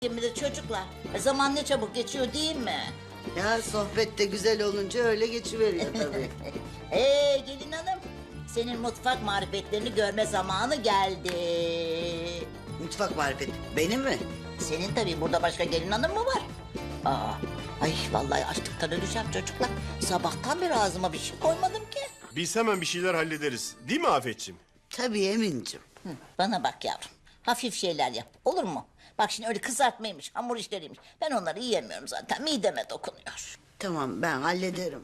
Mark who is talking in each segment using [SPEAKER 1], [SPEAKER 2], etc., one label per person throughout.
[SPEAKER 1] Şimdi çocuklar, zaman ne çabuk geçiyor değil mi?
[SPEAKER 2] Ya sohbet de güzel olunca öyle geçiveriyor tabii.
[SPEAKER 1] Gelin hanım, senin mutfak marifetlerini görme zamanı geldi.
[SPEAKER 2] Mutfak marifeti benim mi?
[SPEAKER 1] Senin tabii, burada başka gelin hanım mı var? Ay vallahi açlıktan öleceğim çocuklar. Sabahtan beri ağzıma bir şey koymadım ki.
[SPEAKER 3] Biz hemen bir şeyler hallederiz. Değil mi Afetciğim?
[SPEAKER 2] Tabii Emin'cim.
[SPEAKER 1] Bana bak yavrum, hafif şeyler yap, olur mu? Bak şimdi öyle kızartmaymış, hamur işleriymiş. Ben onları yiyemiyorum zaten, mideme dokunuyor.
[SPEAKER 2] Tamam ben hallederim.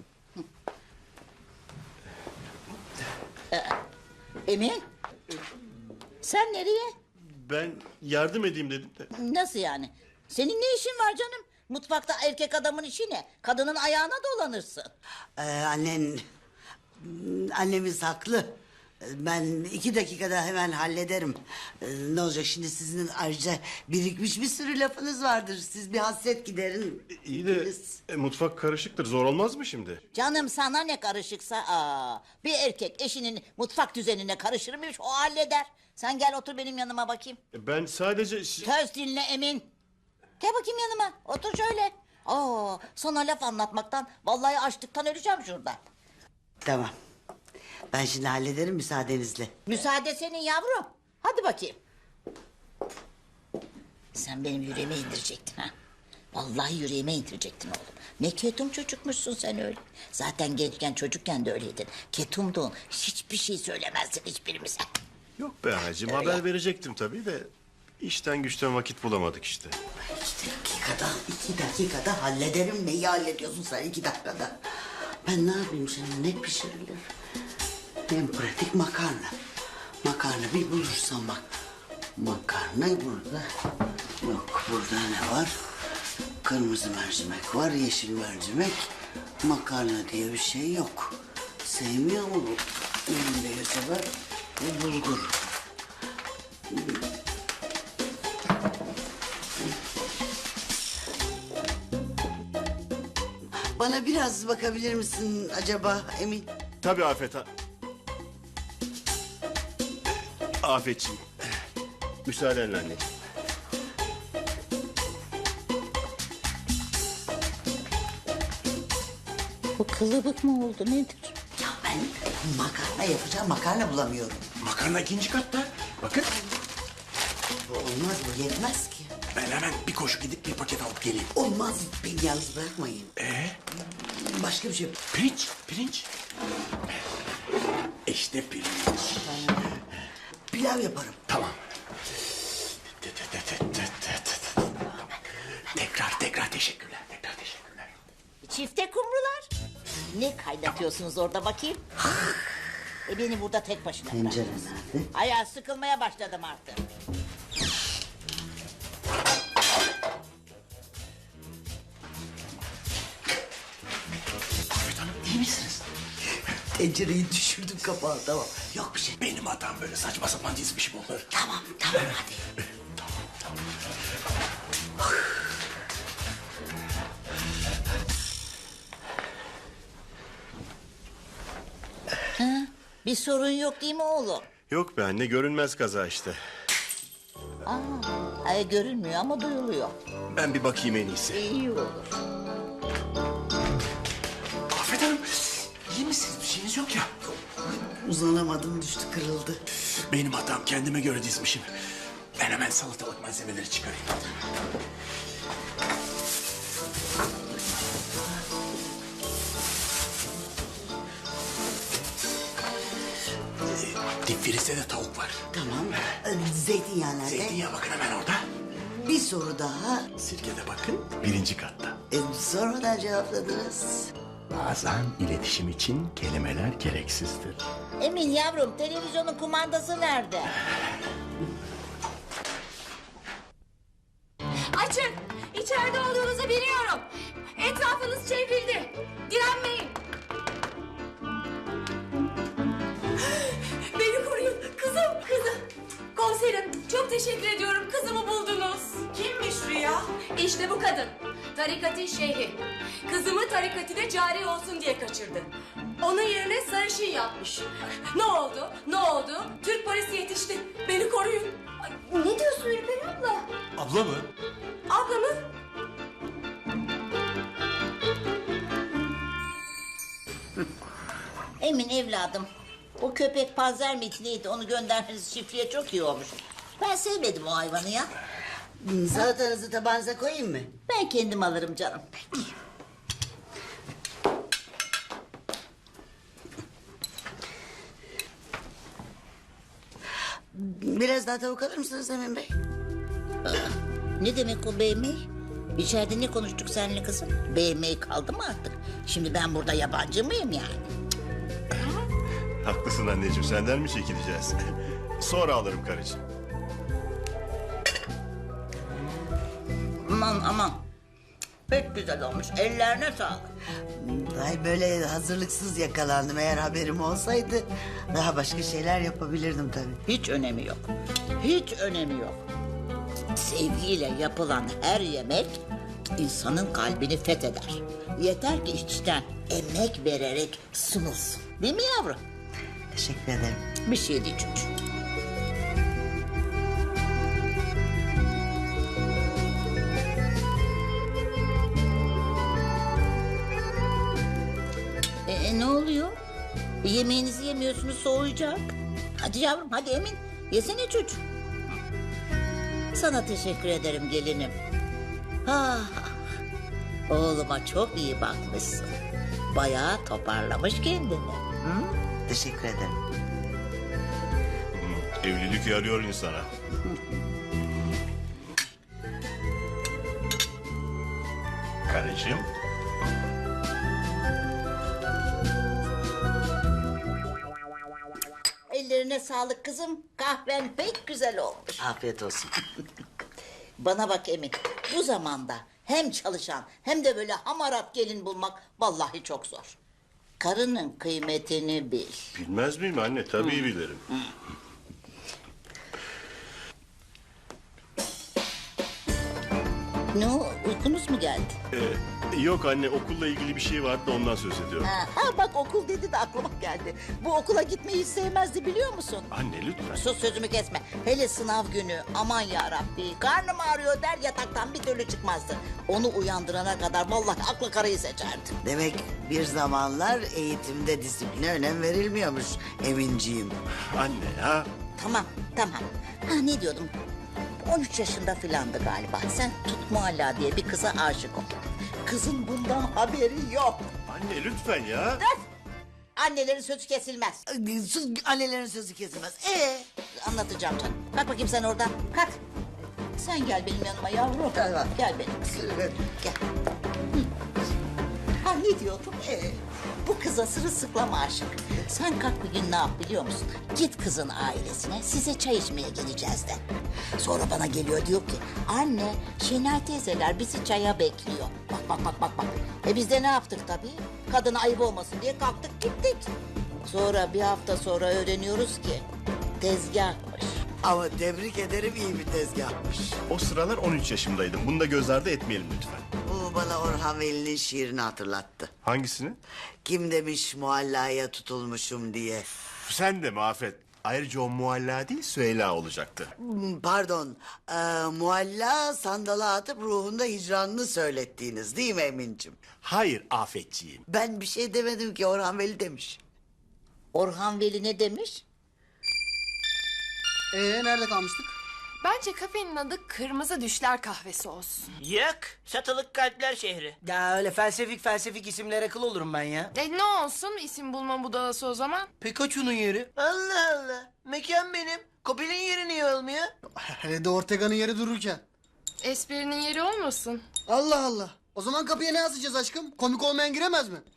[SPEAKER 1] Emin, sen nereye?
[SPEAKER 3] Ben yardım edeyim dedim de.
[SPEAKER 1] Nasıl yani? Senin ne işin var canım? Mutfakta erkek adamın işi ne? Kadının ayağına dolanırsın.
[SPEAKER 2] Annemiz haklı. Ben 2 dakikada hemen hallederim. Ne olacak şimdi, sizin ayrıca birikmiş bir sürü lafınız vardır. Siz bir hasret giderin.
[SPEAKER 3] İyi de
[SPEAKER 2] Biz-
[SPEAKER 3] mutfak karışıktır. Zor olmaz mı şimdi?
[SPEAKER 1] Canım sana ne karışıksa bir erkek eşinin mutfak düzenine karışır mıymış, o halleder. Sen gel otur benim yanıma bakayım.
[SPEAKER 3] Ben sadece...
[SPEAKER 1] Söz dinle Emin. Gel bakayım yanıma, otur şöyle. Sana laf anlatmaktan vallahi açlıktan öleceğim şuradan.
[SPEAKER 2] Tamam. Ben şimdi hallederim müsaadenizle.
[SPEAKER 1] Müsaade senin yavrum. Hadi bakayım. Sen benim yüreğime indirecektin ha. Vallahi yüreğime indirecektin oğlum. Ne ketum çocukmuşsun sen öyle. Zaten gençken çocukken de öyleydin. Ketumdun. Hiçbir şey söylemezdin hiçbirimize.
[SPEAKER 3] Yok be anacığım, haber verecektim tabii de... ...işten güçten vakit bulamadık işte.
[SPEAKER 2] 2 dakikada hallederim. Neyi hallediyorsun sen 2 dakikada? Ben ne yapayım şimdi, ne pişirilir? En pratik makarna. Makarna bir bulursam bak. Makarna burada. Yok, burada ne var? Kırmızı mercimek var, yeşil mercimek. Makarna diye bir şey yok. Sevmiyor mu bu? Benim de sever. Bu bulgur. Bana biraz bakabilir misin acaba Emin?
[SPEAKER 3] Tabii Afet Afetciğim. Müsaadenle anneciğim.
[SPEAKER 1] Bu kılıbık mı oldu nedir?
[SPEAKER 2] Ya ben makarna yapacağım, makarna bulamıyorum.
[SPEAKER 4] Makarna 2. katta. Bakın.
[SPEAKER 2] Bu olmaz, bu yetmez ki.
[SPEAKER 4] Ben hemen bir koşu gidip bir paket alıp geleyim.
[SPEAKER 2] Olmaz, beni yalnız bırakmayın. Başka bir şey.
[SPEAKER 4] Pirinç, pirinç. İşte pirinç.
[SPEAKER 2] Pilav yaparım.
[SPEAKER 4] Tamam. Tekrar teşekkürler. Tekrar teşekkürler.
[SPEAKER 1] Çifte kumrular. Ne kaynatıyorsunuz orada bakayım? Beni burada tek başına bırak.
[SPEAKER 2] Tencere nerede?
[SPEAKER 1] Ayağı sıkılmaya başladım artık.
[SPEAKER 4] Afet Hanım, iyi misiniz?
[SPEAKER 2] Tencereyi düşürdüm kapağı, tamam. Yok bir şey.
[SPEAKER 4] Benim hatam, böyle saçma sapan dizmişim onları.
[SPEAKER 2] Tamam hadi.
[SPEAKER 1] Bir sorun yok değil mi oğlum?
[SPEAKER 3] Yok be anne, görünmez kaza işte.
[SPEAKER 1] Görünmüyor ama duyuluyor.
[SPEAKER 3] Ben bir bakayım en iyisi.
[SPEAKER 1] İyi olur.
[SPEAKER 4] Afet Hanım, iyi misiniz? Bir şeyiniz yok ya.
[SPEAKER 2] Uzanamadım, düştü, kırıldı.
[SPEAKER 4] Benim hatam, kendime göre dizmişim. Ben hemen salatalık malzemeleri çıkarayım. Dip frizde de tavuk var.
[SPEAKER 2] Tamam. Zeytinyağı nerede?
[SPEAKER 4] Zeytinyağı bakın hemen orada.
[SPEAKER 2] Bir soru daha.
[SPEAKER 4] Sirke de bakın 1. katta.
[SPEAKER 2] Sonradan cevapladınız.
[SPEAKER 4] Bazen iletişim için kelimeler gereksizdir.
[SPEAKER 1] Emin yavrum, televizyonun kumandası nerede?
[SPEAKER 5] Açın! İçeride olduğunuzu biliyorum. Etrafınız çevrildi. Direnmeyin. Beni koruyun. Kızım. Komiserim, çok teşekkür ediyorum. Kızımı buldunuz. Kimmiş Rüya? İşte bu kadın. Tarikatın şeyhi. Kızımı tarikatine cari olsun diye kaçırdı. Onun yerine sarışın yapmış. Ne oldu? Türk polisi yetişti. Beni koruyun. Ay, ne diyorsun Ürperi abla?
[SPEAKER 4] Abla mı?
[SPEAKER 1] Emin evladım, o köpek panzer miydi neydi onu göndermeniz çiftliğe çok iyi olmuş. Ben sevmedim o hayvanı ya.
[SPEAKER 2] Salatanızı tabağınıza koyayım mı?
[SPEAKER 1] Ben kendim alırım canım.
[SPEAKER 2] Biraz daha tavuk alır mısınız Emin Bey?
[SPEAKER 1] Ne demek o beğenmeyi? İçeride ne konuştuk seninle kızım? Beğenmeyi kaldı mı artık? Şimdi ben burada yabancı mıyım yani?
[SPEAKER 3] Haklısın anneciğim, senden mi çekileceğiz? Sonra alırım karıcığım.
[SPEAKER 1] Aman aman. Pek güzel olmuş. Ellerine sağlık.
[SPEAKER 2] Ay böyle hazırlıksız yakalandım. Eğer haberim olsaydı daha başka şeyler yapabilirdim tabii.
[SPEAKER 1] Hiç önemi yok. Hiç önemi yok. Sevgiyle yapılan her yemek insanın kalbini fetheder. Yeter ki içten emek vererek sunulsun. Değil mi yavrum?
[SPEAKER 2] Teşekkür ederim.
[SPEAKER 1] Bir şey değil çocuğum. Ne oluyor? Yemeğinizi yemiyorsunuz soğuyacak. Hadi yavrum hadi Emin. Yesene çocuğum. Sana teşekkür ederim gelinim. Ah, oğluma çok iyi bakmışsın. Bayağı toparlamış kendini. Hı?
[SPEAKER 2] Teşekkür ederim.
[SPEAKER 3] Evlilik yarıyor insana. Karıcığım.
[SPEAKER 1] Ellerine sağlık kızım. Kahven pek güzel olmuş.
[SPEAKER 2] Afiyet olsun.
[SPEAKER 1] Bana bak Emin. Bu zamanda hem çalışan hem de böyle hamarat gelin bulmak vallahi çok zor. Karının kıymetini bil.
[SPEAKER 3] Bilmez miyim anne? Tabii bilirim.
[SPEAKER 1] Ne o? Uykunuz mu geldi?
[SPEAKER 3] Yok anne, okulla ilgili bir şey vardı da ondan söz ediyorum.
[SPEAKER 1] Ha bak okul dedi de aklıma geldi. Bu okula gitmeyi hiç sevmezdi biliyor musun?
[SPEAKER 3] Anne lütfen.
[SPEAKER 1] Sus sözümü kesme. Hele sınav günü aman ya Rabbi karnım ağrıyor der yataktan bir türlü çıkmazdı. Onu uyandırana kadar vallahi aklı karayı seçerdi.
[SPEAKER 2] Demek bir zamanlar eğitimde disipline önem verilmiyormuş Eminciğim.
[SPEAKER 3] Anne ya.
[SPEAKER 1] Tamam. Ha ne diyordum? 13 yaşında filandı galiba. Sen Tut Mualla diye bir kıza aşık oldun. Kızın bundan haberi yok.
[SPEAKER 3] Anne lütfen ya.
[SPEAKER 1] Öf! Annelerin sözü kesilmez.
[SPEAKER 2] Sus, annelerin sözü kesilmez.
[SPEAKER 1] Anlatacağım canım. Kalk bakayım sen oradan. Kalk. Sen gel benim yanıma yavrum.
[SPEAKER 2] Tamam.
[SPEAKER 1] Gel benim kızım. Gel. Hı. Ha ne diyordum? Bu kıza sırılsıklam aşık. Sen kalk bir gün ne yap biliyor musun? Git kızın ailesine size çay içmeye geleceğiz de. Sonra bana geliyor diyor ki anne Şenay teyzeler bizi çaya bekliyor. Bak. Biz de ne yaptık tabii? Kadına ayıp olmasın diye kalktık gittik. Sonra bir hafta sonra öğreniyoruz ki tezgahmış.
[SPEAKER 2] Ama tebrik ederim, iyi bir tezgahmış.
[SPEAKER 3] O sıralar 13 yaşımdaydım. Bunu da göz ardı etmeyelim lütfen.
[SPEAKER 2] Bu bana Orhan Veli'nin şiirini hatırlattı.
[SPEAKER 3] Hangisini?
[SPEAKER 2] Kim demiş muallaya tutulmuşum diye.
[SPEAKER 3] Sen de mi Afet? Ayrıca o mualla değil Süheyla olacaktı.
[SPEAKER 2] Pardon, mualla sandala atıp ruhunda hicranını söylettiğiniz değil mi Emin'cim?
[SPEAKER 3] Hayır Afetciğim.
[SPEAKER 2] Ben bir şey demedim ki, Orhan Veli demiş.
[SPEAKER 1] Orhan Veli ne demiş?
[SPEAKER 6] Nerede kalmıştık?
[SPEAKER 5] Bence kafenin adı Kırmızı Düşler Kahvesi olsun.
[SPEAKER 7] Yok, satılık kalpler şehri.
[SPEAKER 6] Ya öyle felsefik isimlere kıl olurum ben ya.
[SPEAKER 5] Ne olsun isim bulma budalası o zaman?
[SPEAKER 6] Pikachu'nun yeri.
[SPEAKER 7] Allah Allah, mekan benim. Kopil'in yeri niye olmuyor?
[SPEAKER 6] Hele de Ortega'nın yeri dururken.
[SPEAKER 5] Esprinin yeri olmasın.
[SPEAKER 6] Allah Allah. O zaman kapıya ne yazacağız aşkım? Komik olmayan giremez mi?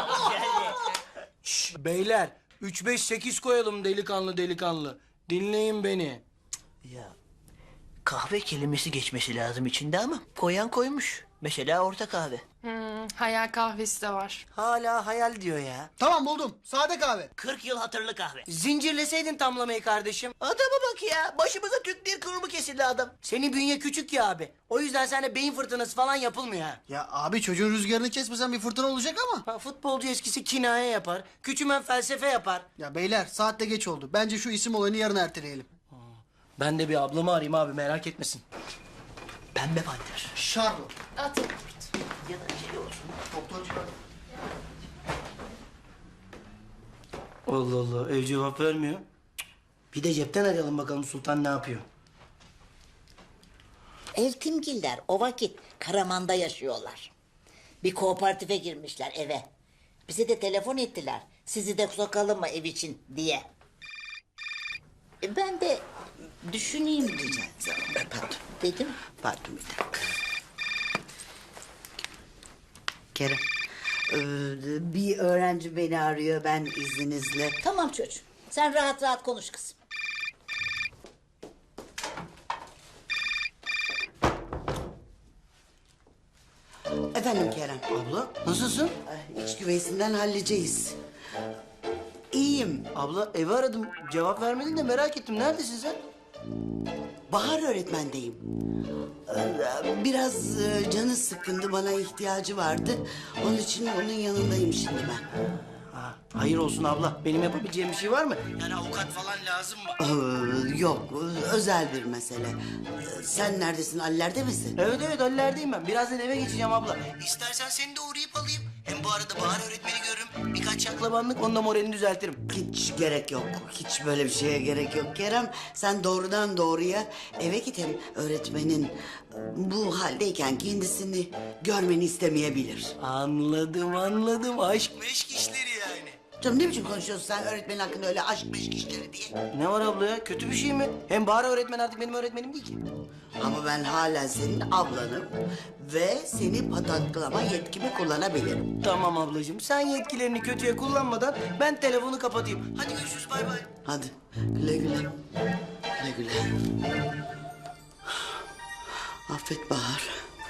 [SPEAKER 6] Şş, beyler 3-5-8 koyalım delikanlı. Dinleyin beni.
[SPEAKER 7] Ya, kahve kelimesi geçmesi lazım içinde ama koyan koymuş. Mesela orta kahve.
[SPEAKER 5] Hayal kahvesi de var.
[SPEAKER 6] Hala hayal diyor ya. Tamam buldum. Sade kahve.
[SPEAKER 7] 40 yıl hatırlı kahve.
[SPEAKER 6] Zincirleseydin tamlamayı kardeşim.
[SPEAKER 7] Adama bak ya, başımıza Türk Dil Kurumu kesildi adam.
[SPEAKER 6] Senin bünye küçük ya abi. O yüzden sende beyin fırtınası falan yapılmıyor ha. Ya abi çocuğun rüzgarını kesmesen bir fırtına olacak ama. Futbolcu eskisi kinaye yapar. Küçümen felsefe yapar. Ya beyler saatte geç oldu. Bence şu isim olayını yarın erteleyelim. Ben de bir ablamı arayayım abi merak etmesin.
[SPEAKER 7] Pembe panter.
[SPEAKER 6] Charlotte.
[SPEAKER 5] Atın.
[SPEAKER 7] Ya da şey olsun.
[SPEAKER 6] Doktorcu. Allah Allah, ev cevap vermiyor. Cık. Bir de cepten arayalım bakalım Sultan ne yapıyor.
[SPEAKER 1] Eltimgiller o vakit Karaman'da yaşıyorlar. Bir kooperatife girmişler eve. Bize de telefon ettiler. Sizi de sokalım mı ev için diye. Ben de düşüneyim diyeceğim.
[SPEAKER 2] Pardon.
[SPEAKER 1] Dedim.
[SPEAKER 2] Pardon bir dakika. Kerem. Bir öğrenci beni arıyor, ben izninizle.
[SPEAKER 1] Tamam çocuğum. Sen rahat rahat konuş kızım.
[SPEAKER 2] Efendim Kerem.
[SPEAKER 6] Abla nasılsın?
[SPEAKER 2] İç güveysinden halledeceğiz. İyiyim.
[SPEAKER 6] Abla evi aradım, cevap vermedin de merak ettim. Neredesin sen?
[SPEAKER 2] Bahar öğretmendeyim. Biraz canı sıkkındı, bana ihtiyacı vardı. Onun için onun yanındayım şimdi ben.
[SPEAKER 6] Ha, hayır olsun abla. Benim yapabileceğim bir şey var mı? Yani avukat falan lazım mı?
[SPEAKER 2] Yok, özel bir mesele. Sen neredesin, Haller'de misin?
[SPEAKER 6] Evet evet hallerdeyim ben. Birazdan eve geçeceğim abla. İstersen seni de uğrayıp alayım. Hem bu arada Bahar öğretmeni görürüm. Birkaç şaklabanlık onunla moralini düzeltirim.
[SPEAKER 2] Hiç gerek yok. Hiç böyle bir şeye gerek yok Kerem. Sen doğrudan doğruya eve git, hem öğretmenin bu haldeyken kendisini görmeni istemeyebilir.
[SPEAKER 6] Anladım. Aşk meşk işleri yani.
[SPEAKER 2] Canım ne biçim konuşuyorsun sen öğretmenin hakkında öyle aşk meşk işleri diye?
[SPEAKER 6] Ne var abla ya? Kötü bir şey mi? Hem Bahar öğretmen artık benim öğretmenim değil ki.
[SPEAKER 2] Ama ben hala senin ablanım ve seni pataklama yetkimi kullanabilirim.
[SPEAKER 6] Tamam ablacığım. Sen yetkilerini kötüye kullanmadan ben telefonu kapatayım. Hadi görüşürüz bay bay.
[SPEAKER 2] Hadi güle güle. Güle güle. Affet Bahar.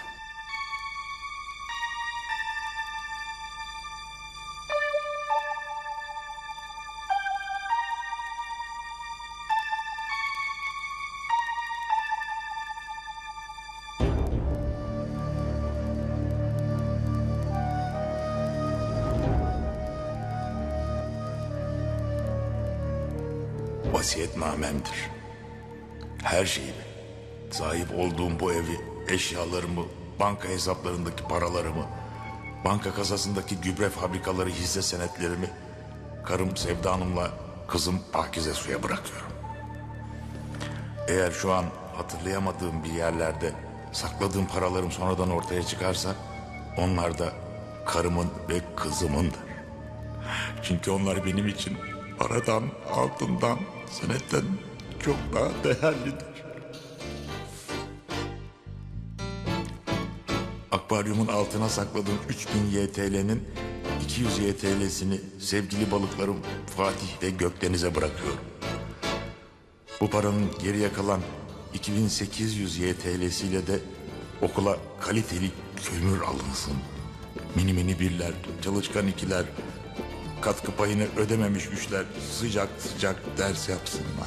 [SPEAKER 4] Vasiyetnamemdir. Her şeyimi, sahip olduğum bu evi, eşyalarımı, banka hesaplarındaki paralarımı, banka kasasındaki gübre fabrikaları hisse senetlerimi, karım Sevda Hanım'la kızım Pakize Su'ya bırakıyorum. Eğer şu an hatırlayamadığım bir yerlerde sakladığım paralarım sonradan ortaya çıkarsa, onlar da karımın ve kızımındır. Çünkü onlar benim için paradan, altından, senetten çok daha değerlidir. Akvaryumun altına sakladığım 3000 YTL'nin 200 YTL'sini sevgili balıklarım Fatih ve Gökdeniz'e bırakıyorum. Bu paranın geriye kalan 2800 YTL'siyle de okula kaliteli kömür alınsın. Mini mini birler, çalışkan ikiler, katkı payını ödememiş üçler sıcak sıcak ders yapsınlar.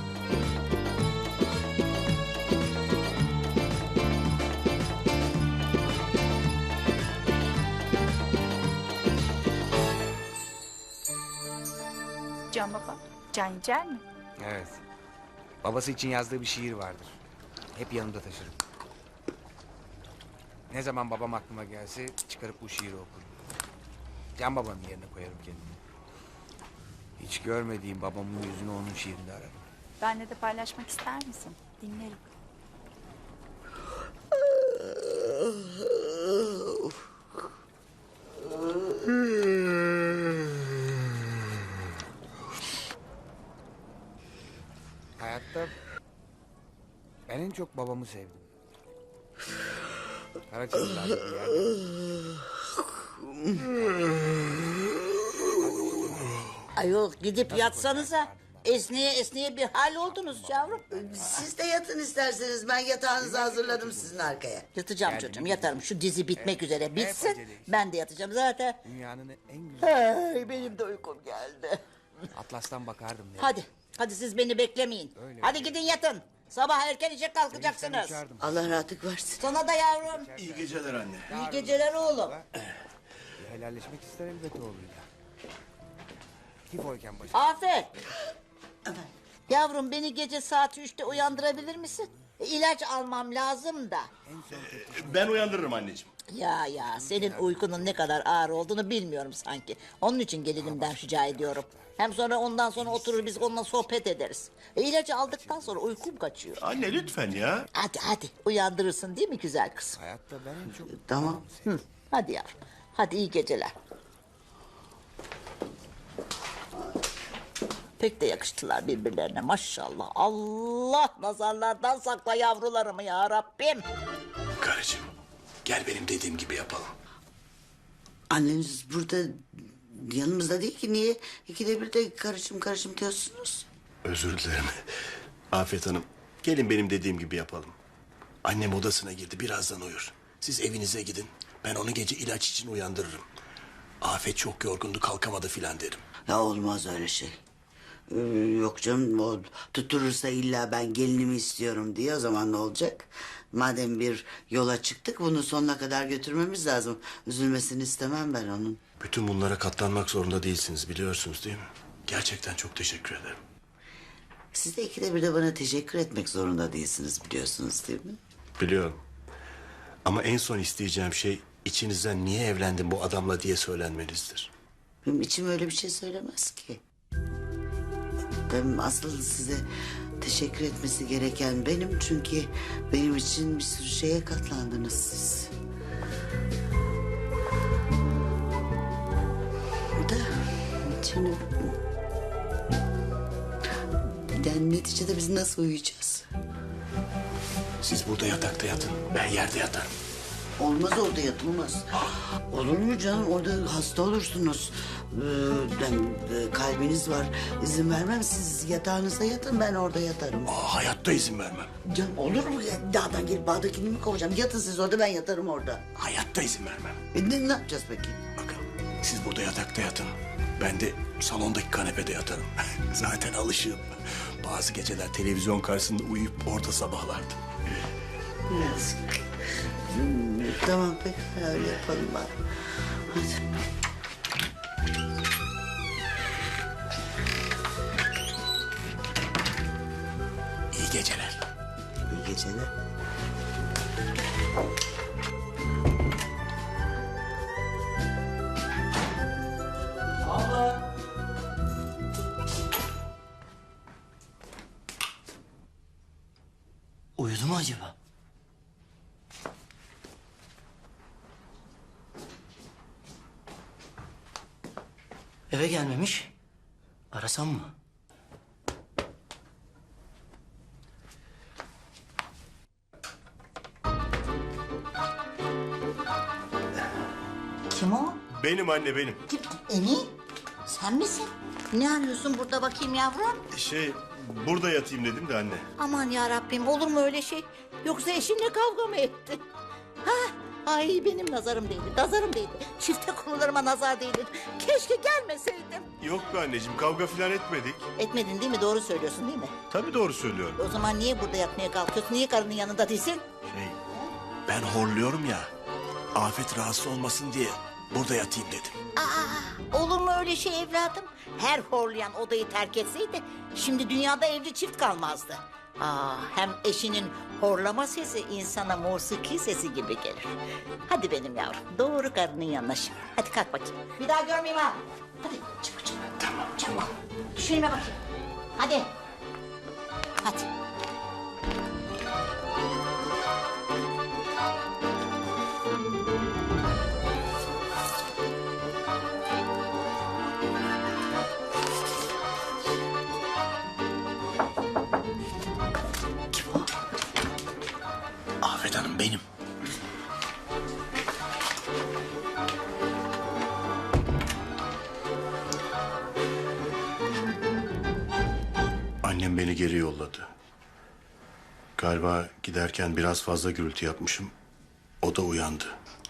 [SPEAKER 8] Can Baba, Can Yücel mi?
[SPEAKER 9] Evet. Babası için yazdığı bir şiir vardır. Hep yanımda taşırım. Ne zaman babam aklıma gelse çıkarıp bu şiiri okurum. Can Baba'nın yerine koyarım kendimi. Hiç görmediğim babamın yüzünü onun şiirinde ararım.
[SPEAKER 8] Benle de paylaşmak ister misin? Dinlerim.
[SPEAKER 9] Hayatta ben en çok babamı sevdim. Karaçalılar'da bir yerde.
[SPEAKER 1] Ayol gidip yatsanıza. Esneye esneye bir hal oldunuz yavrum.
[SPEAKER 2] Siz de yatın isterseniz, ben yatağınızı hazırladım sizin arkaya.
[SPEAKER 1] Yatacağım çocuğum yatarım. Şu dizi bitmek üzere bitsin. Ben de yatacağım zaten.
[SPEAKER 9] Dünyanın en güzel
[SPEAKER 1] Ay, benim de uykum geldi.
[SPEAKER 9] Atlas'tan bakardım.
[SPEAKER 1] Hadi siz beni beklemeyin. Hadi gidin yatın. Sabah erken işe kalkacaksınız.
[SPEAKER 2] Allah rahatlık versin.
[SPEAKER 1] Sana da yavrum.
[SPEAKER 3] İyi geceler anne.
[SPEAKER 1] İyi geceler oğlum.
[SPEAKER 9] Helalleşmek ister elbet oğluyla. Tifoyken başı.
[SPEAKER 1] Afet. Yavrum beni gece saat 3'te uyandırabilir misin? İlaç almam lazım da.
[SPEAKER 3] Ben uyandırırım anneciğim.
[SPEAKER 1] Ya senin uykunun ne kadar ağır olduğunu bilmiyorum sanki. Onun için gelinimden rica ediyorum. Hem sonra ondan sonra oturur biz onunla sohbet ederiz. İlacı aldıktan sonra uykum kaçıyor.
[SPEAKER 3] Anne lütfen ya.
[SPEAKER 1] Hadi uyandırırsın değil mi güzel kızım?
[SPEAKER 9] Hayatta ben en çok...
[SPEAKER 2] Tamam.
[SPEAKER 1] Hadi yavrum. Hadi iyi geceler. Pek de yakıştılar birbirlerine maşallah. Allah nazarlardan sakla yavrularımı ya Rabbim.
[SPEAKER 3] Karıcığım gel benim dediğim gibi yapalım.
[SPEAKER 2] Anneniz burada yanımızda değil ki. Niye ikide bir de karışım diyorsunuz?
[SPEAKER 3] Özür dilerim. Afet Hanım gelin benim dediğim gibi yapalım. Annem odasına girdi birazdan uyur. Siz evinize gidin. Ben onu gece ilaç için uyandırırım. Afet çok yorgundu kalkamadı filan derim.
[SPEAKER 2] Ya olmaz öyle şey. Yok canım, o tutturursa illa ben gelinimi istiyorum diye, o zaman ne olacak? Madem bir yola çıktık bunu sonuna kadar götürmemiz lazım. Üzülmesini istemem ben onun.
[SPEAKER 3] Bütün bunlara katlanmak zorunda değilsiniz biliyorsunuz değil mi? Gerçekten çok teşekkür ederim.
[SPEAKER 2] Siz de ikide bir de bana teşekkür etmek zorunda değilsiniz, biliyorsunuz değil mi?
[SPEAKER 3] Biliyorum. Ama en son isteyeceğim şey içinizden niye evlendin bu adamla diye söylenmenizdir.
[SPEAKER 2] Benim içim öyle bir şey söylemez ki. Ben asıl size teşekkür etmesi gereken benim, çünkü benim için bir sürü şeye katlandınız siz. Da şimdi yani neticede biz nasıl uyuyacağız?
[SPEAKER 3] Siz burada yatakta yatın, ben yerde yatarım.
[SPEAKER 2] Olmaz, orada yatılmaz. Olur mu canım? Orada hasta olursunuz. Kalbiniz var. İzin vermem. Siz yatağınızda yatın, ben orada yatarım.
[SPEAKER 3] Hayatta izin vermem.
[SPEAKER 2] Canım olur mu? Dağdan gelip bağdakini mi kovacağım? Yatın siz orada, ben yatarım orada.
[SPEAKER 3] Hayatta izin vermem.
[SPEAKER 2] Ne yapacağız peki?
[SPEAKER 3] Bakın siz burada yatakta yatın. Ben de salondaki kanepede yatarım. Zaten alışığım. Bazı geceler televizyon karşısında uyuyup orada sabahlardım.
[SPEAKER 2] Yazık. Tamam peki, öyle yapalım bari. Hadi.
[SPEAKER 3] İyi geceler.
[SPEAKER 2] İyi geceler.
[SPEAKER 6] Uyudu mu acaba? Eve gelmemiş. Arasam mı?
[SPEAKER 1] Kim o?
[SPEAKER 3] Benim anne benim.
[SPEAKER 1] Kim? Emin? Sen misin? Ne arıyorsun burada bakayım yavrum?
[SPEAKER 3] Burada yatayım dedim de anne.
[SPEAKER 1] Aman ya Rabbim olur mu öyle şey? Yoksa eşinle kavga mı etti? Ha? Ay benim nazarım değdi, nazarım değdi. Çifte konularıma nazar değdi. Keşke gelmeseydim.
[SPEAKER 3] Yok be anneciğim kavga falan etmedik.
[SPEAKER 1] Etmedin değil mi? Doğru söylüyorsun değil mi?
[SPEAKER 3] Tabii doğru söylüyorum.
[SPEAKER 1] O zaman niye burada yatmaya kalkıyorsun? Niye karının yanında değilsin?
[SPEAKER 3] Ben horluyorum ya. Afet rahatsız olmasın diye burada yatayım dedim.
[SPEAKER 1] Olur mu öyle şey evladım? Her horlayan odayı terk etseydi şimdi dünyada evli çift kalmazdı. Hem eşinin horlama sesi insana musiki sesi gibi gelir. Hadi benim yavrum doğru karının yanına şimdi. Hadi kalk bakayım. Bir daha görmeyeyim ha. Hadi çabuk çabuk. Tamam çabuk. Düşünme bakayım. Hadi. Hadi.
[SPEAKER 3] Afet Hanım benim. Annem beni geri yolladı. Galiba giderken biraz fazla gürültü yapmışım. O da uyandı.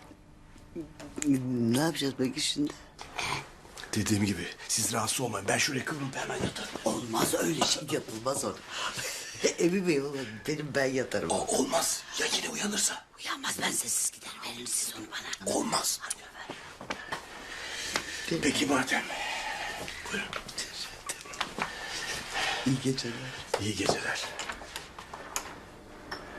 [SPEAKER 2] Ne yapacağız peki şimdi?
[SPEAKER 3] Dediğim gibi siz rahatsız olmayın. Ben şuraya kıvrılıp hemen yatarım.
[SPEAKER 2] Olmaz, öyle şey yapılmaz orada. Evi bey olur, benim ben yatarım.
[SPEAKER 3] Olmaz. Ya yine uyanırsa?
[SPEAKER 2] Uyanmaz, ben sessiz giderim. Verin siz onu bana.
[SPEAKER 3] Olmaz. Peki madem. Buyurun.
[SPEAKER 2] İyi geceler.
[SPEAKER 3] İyi geceler.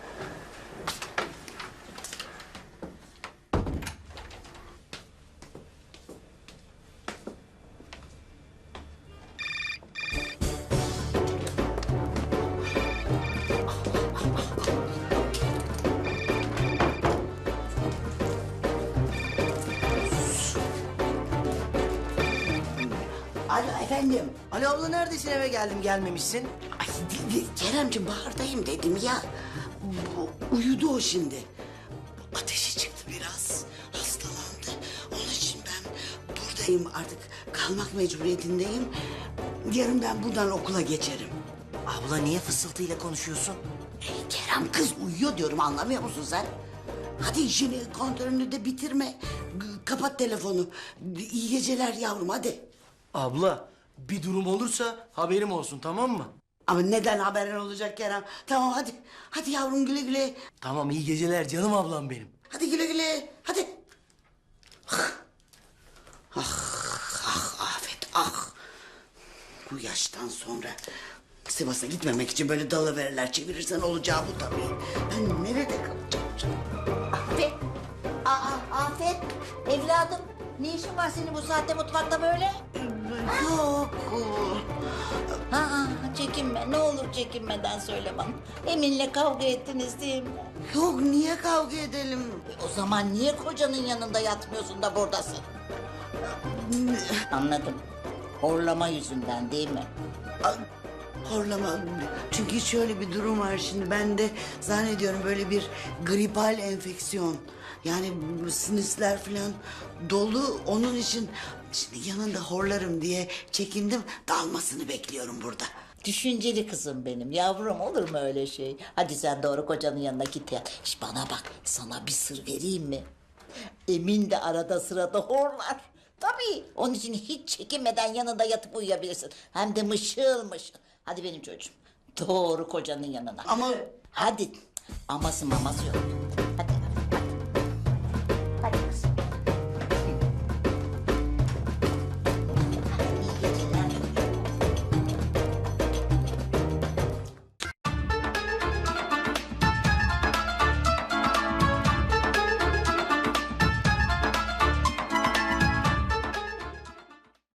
[SPEAKER 2] Efendim?
[SPEAKER 6] Ali abla neredesin, eve geldim gelmemişsin.
[SPEAKER 2] Ay Keremciğim bahardayım dedim ya. Uyudu o şimdi. Ateşi çıktı biraz. Hastalandı. Onun için ben buradayım artık. Kalmak mecburiyetindeyim. Yarın ben buradan okula geçerim.
[SPEAKER 6] Abla niye fısıltıyla konuşuyorsun?
[SPEAKER 2] Kerem kız uyuyor diyorum, anlamıyor musun sen? Hadi işini kontrolünü de bitirme. Kapat telefonu. İyi geceler yavrum hadi.
[SPEAKER 6] Abla bir durum olursa haberim olsun, tamam mı?
[SPEAKER 2] Ama neden haberin olacak Kerem? Tamam hadi. Hadi yavrum güle güle.
[SPEAKER 6] Tamam, iyi geceler canım ablam benim.
[SPEAKER 2] Hadi güle güle. Hadi. Afet ah. Bu yaştan sonra Sivas'a gitmemek için böyle dalıverirler, çevirirsen olacağı bu tabii. Ben nerede kalacağım?
[SPEAKER 1] Afet. Afet. Evladım. Ne işin var senin bu saatte mutfakta böyle?
[SPEAKER 2] Yok.
[SPEAKER 1] Çekinme. Ne olur çekinmeden söyle bana. Emin'le kavga ettiniz değil mi?
[SPEAKER 2] Yok, niye kavga edelim?
[SPEAKER 1] O zaman niye kocanın yanında yatmıyorsun da buradasın? Anladım. Horlama yüzünden değil mi?
[SPEAKER 2] Horlama. Çünkü şöyle bir durum var şimdi. Ben de zannediyorum böyle bir gripal enfeksiyon. Yani sinüsler falan dolu. Onun için şimdi yanında horlarım diye çekindim. Dalmasını bekliyorum burada.
[SPEAKER 1] Düşünceli kızım benim. Yavrum, olur mu öyle şey? Hadi sen doğru kocanın yanına git ya. Şş, bana bak, sana bir sır vereyim mi? Emin de arada sırada horlar. Tabii. Onun için hiç çekinmeden yanında yatıp uyuyabilirsin. Hem de mışıl mışıl. Hadi benim çocuğum. Doğru kocanın yanına.
[SPEAKER 2] Ama
[SPEAKER 1] Hadi. Aması maması yok.